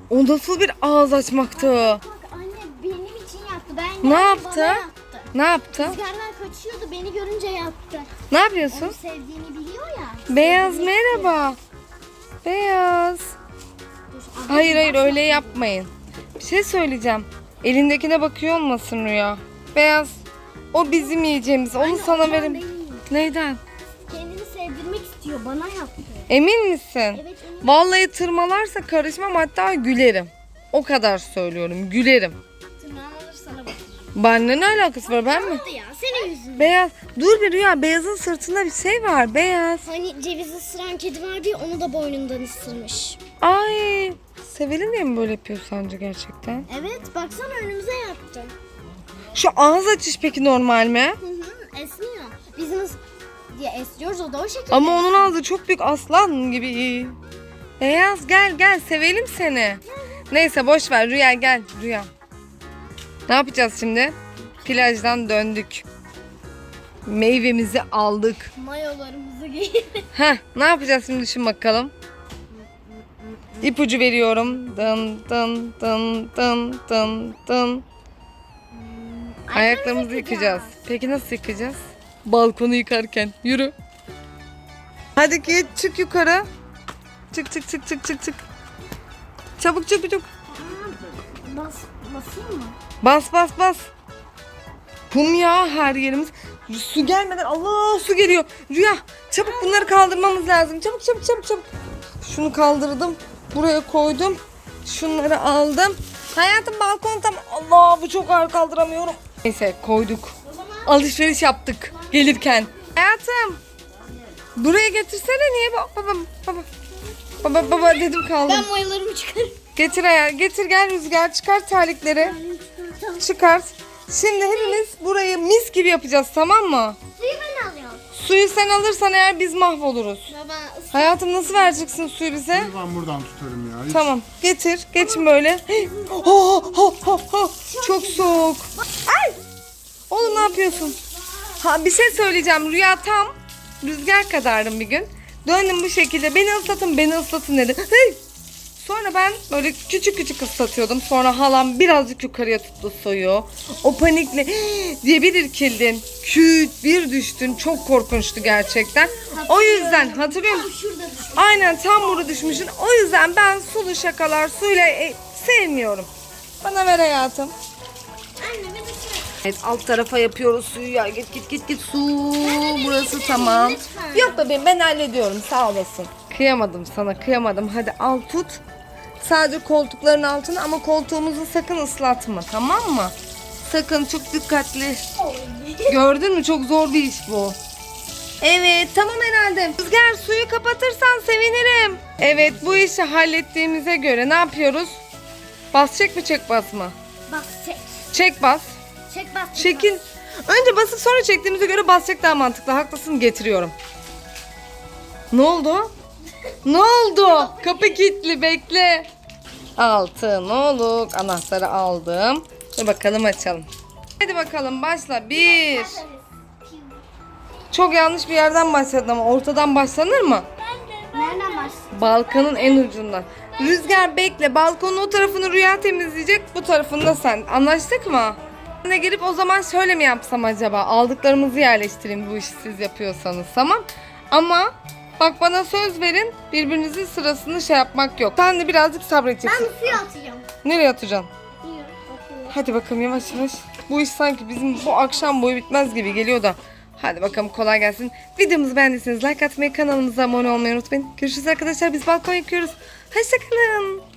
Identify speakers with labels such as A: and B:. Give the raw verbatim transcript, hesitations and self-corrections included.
A: O nasıl bir ağız açmaktı?
B: Bak anne benim için yaptı. Ben
A: Ne
B: geldim,
A: yaptı?
B: bana yaptı.
A: Ne yaptı?
B: Rüzgardan kaçıyordu, beni görünce yaptı.
A: Ne yapıyorsun?
B: Onu sevdiğini biliyor ya.
A: Beyaz
B: Sevdiğini
A: merhaba. Beyaz.
B: Dur, abla,
A: Hayır hayır
B: bak-
A: öyle yapmayın. Bir şey söyleyeceğim. Elindekine bakıyor olmasın Rüya. Beyaz. O bizim yiyeceğimiz. Onu
B: Anne,
A: sana
B: ondan
A: verim.
B: değil.
A: Neyden?
B: Kendini sevdirmek istiyor, bana yaptı.
A: Emin misin?
B: Evet eminim.
A: Vallahi tırmalarsa karışmam, hatta gülerim. O kadar söylüyorum, gülerim.
B: Tırnağını alır sana bakır.
A: Benimle ne alakası var, ben mi?
B: Hadi ya senin yüzünden.
A: Beyaz. Dur bir Rüya, Beyaz'ın sırtında bir şey var. Beyaz.
B: Hani cevizi ısıran kedi var bir, onu da boynundan ısırmış.
A: Ay. Sevil'in diye mi böyle yapıyor sence gerçekten?
B: Evet baksana önümüze yaptı.
A: Şu ağız açış peki normal mi?
B: Hı hı esniyor. Biz nasıl diye esniyoruz, o da o şekilde.
A: Ama onun ağzı çok büyük, aslan gibi. Beyaz gel gel, sevelim seni. Neyse boş ver Rüya, gel Rüya. Ne yapacağız şimdi? Plajdan döndük. Meyvemizi aldık.
B: Mayolarımızı giydik.
A: Heh, ne yapacağız şimdi, düşün bakalım. İpucu veriyorum. Dın dın dın dın dın dın. Ayaklarımızı yıkayacağız. Peki nasıl yıkayacağız? Balkonu yıkarken. Yürü. Hadi git, çık yukarı. Çık çık çık çık çık çık. Çabuk çabuk çabuk.
B: Bas, basayım mı?
A: Bas bas bas. Kum ya her yerimiz. Su gelmeden, Allah su geliyor. Rüya çabuk bunları kaldırmamız lazım. Çabuk çabuk çabuk çabuk. Şunu kaldırdım. Buraya koydum. Şunları aldım. Hayatım balkon tam. Allah bu çok ağır, kaldıramıyorum. Neyse koyduk. Alışveriş yaptık gelirken. Hayatım. Buraya getirsene, niye baba baba baba. Baba baba dedim kaldım.
B: Ben mayolarımı çıkarım.
A: Getir ayağı, getir gel Rüzgar, çıkar terlikleri. Çıkart. Şimdi hepimiz burayı mis gibi yapacağız, tamam mı?
B: Suyu ben alıyorum.
A: Suyu sen alırsan eğer biz mahvoluruz.
B: Baba
A: Hayatım nasıl vereceksin suyu bize?
C: Ben buradan tutarım ya. Hiç...
A: Tamam getir, geçin böyle. Oh, oh, oh, oh. Çok soğuk. Ay! Oğlum ne yapıyorsun? Ha bir şey söyleyeceğim, Rüya tam Rüzgar kadardım bir gün. Döndüm bu şekilde, beni ıslatın beni ıslatın dedi. Hey! Sonra ben böyle küçük küçük ıslatıyordum. Sonra halam birazcık yukarıya tuttu suyu. O panikle diye bir irkildin. Küt bir düştün. Çok korkunçtu gerçekten. O yüzden hatırlıyor musun?
B: şurada dur.
A: Aynen tam burada düşmüşsün. O yüzden ben sulu şakalar suyla e, sevmiyorum. Bana ver hayatım.
B: Anne bir de şuraya.
A: Evet alt tarafa yapıyoruz suyu ya. Git git git git su. Burası tamam.
B: lütfen.
A: Yok bebeğim ben hallediyorum, sağ olasın. Kıyamadım sana, kıyamadım. Hadi al tut. Sadece koltukların altına, ama koltuğumuzu sakın ıslatma, tamam mı? Sakın, çok dikkatli. Gördün mü, çok zor bir iş bu. Evet tamam herhalde. Rüzgar suyu kapatırsan sevinirim. Evet bu işi hallettiğimize göre ne yapıyoruz? Bas çek mi çek bas mı?
B: Bak çek.
A: Çek bas.
B: Çek bas. çek
A: Çekil. Önce basıp sonra çektiğimize göre bas çek daha mantıklı. Haklısın, getiriyorum. Ne oldu? Ne oldu? Kapı kilitli, bekle. Altın oluk. Anahtarı aldım. Dur bakalım açalım. Hadi bakalım başla. Bir.
B: bas.
A: Çok yanlış bir yerden başladın ama ortadan başlanır mı?
B: Nereden başlayayım?
A: Balkonun en ucundan. Rüzgar bekle. Balkonun o tarafını Rüya temizleyecek. Bu tarafını da sen. Anlaştık mı? Ben de gelip o zaman şöyle mi yapsam acaba? Aldıklarımızı yerleştireyim bu işi siz yapıyorsanız. Tamam. Ama bak bana söz verin. Birbirinizin sırasını şey yapmak yok. Sen de birazcık sabredeceksin.
B: Ben suyu atacağım.
A: Nereye atacaksın?
B: Bilmiyorum, bakıyorum.
A: Hadi bakalım yavaş yavaş. Bu iş sanki bizim bu akşam boyu bitmez gibi geliyor da. Hadi bakalım kolay gelsin. Videomuzu beğendiyseniz like atmayı, kanalımıza abone olmayı unutmayın. Görüşürüz arkadaşlar. Biz balkon yıkıyoruz. Hoşçakalın.